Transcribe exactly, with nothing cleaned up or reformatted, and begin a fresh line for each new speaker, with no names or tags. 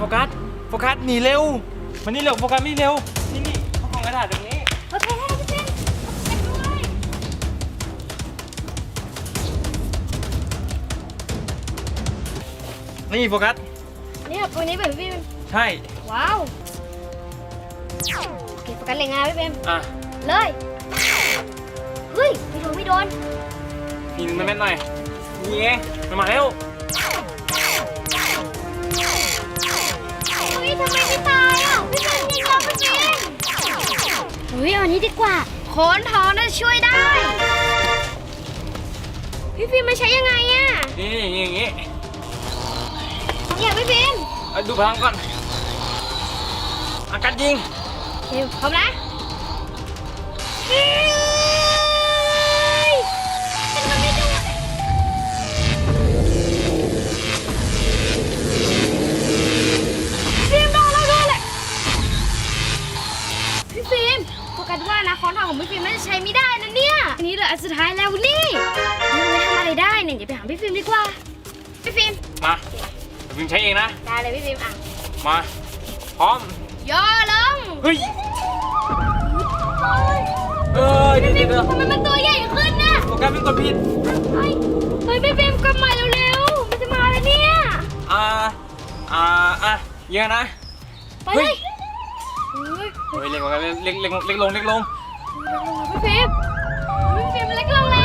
กัสโฟกัสหนีเร็วมันนี่เร็วโฟกัสไม่เร็วนี่นี่เขากล่องกระดาษตรงนี้
โอเคพี่ฟิล์มไปด้วย
นี่โฟกัส
เนี่ยตัวนี้แบบพี่ฟิล์ม
ใช่
ว้าวโอเคโฟกัสเล็งงานพี่ฟิล์ม
อ่ะ
เลยเฮ้ยไม่โดนไม่โดน
ยิงมันแม่นหน่อยนี่ไงมันมาแล้ว
เฮ้ยทำไมไม่ตายอ่ะพี่ฟิล์มยิงเราพี่ฟิล์มเฮ้ยเอาอันนี้ดีกว่าโคนทองน่าจะช่วยได้พี่ฟิล์มมันใช้ยังไงอ่ะ
นี่อย่างงี้อย่างงี้
เนี่ยพี่ฟิล์ม
ดูพลังก่อนอากาศยิง
เดี๋ยวพร้อมนะมันไม่ดูฟิล์มโดนแล้วโดนเลยพี่ฟิล์มโฟกัสว่านะค้อนทองของพี่ฟิล์มน่าจะใช้ไม่ได้นะเนี่ยอันนี้เหลืออันสุดท้ายแล้วนี่นี่ไม่ทำอะไรได้เนี่ยเดี๋ยวไปหาพี่ฟิล์มดีกว่าพี่ฟิล์ม
มาพิมใช้เองนะ
ได้เลยพี่ฟิล์มอ่ะ
มาพร้อม
ย่อลง
เฮ้ยเออเดี๋ยวเดี๋ยว
ทำไมมันตัวใหญ่ขึ้นน่ะ
โฟกัสเป็นตัวผิด
เฮ้ยเฮ้ยพี่ฟิล์มกลับมาเร็วๆมันจะมาแล้วเนี่ย
อ่าอ่าอ่ะเยอะนะ
ไปเลย
เฮ้ยเล็กลงเล็กเล็กเล็กลงเล็กลง
พี่ฟิล์มพี่ฟิล์มเล็กลงแล้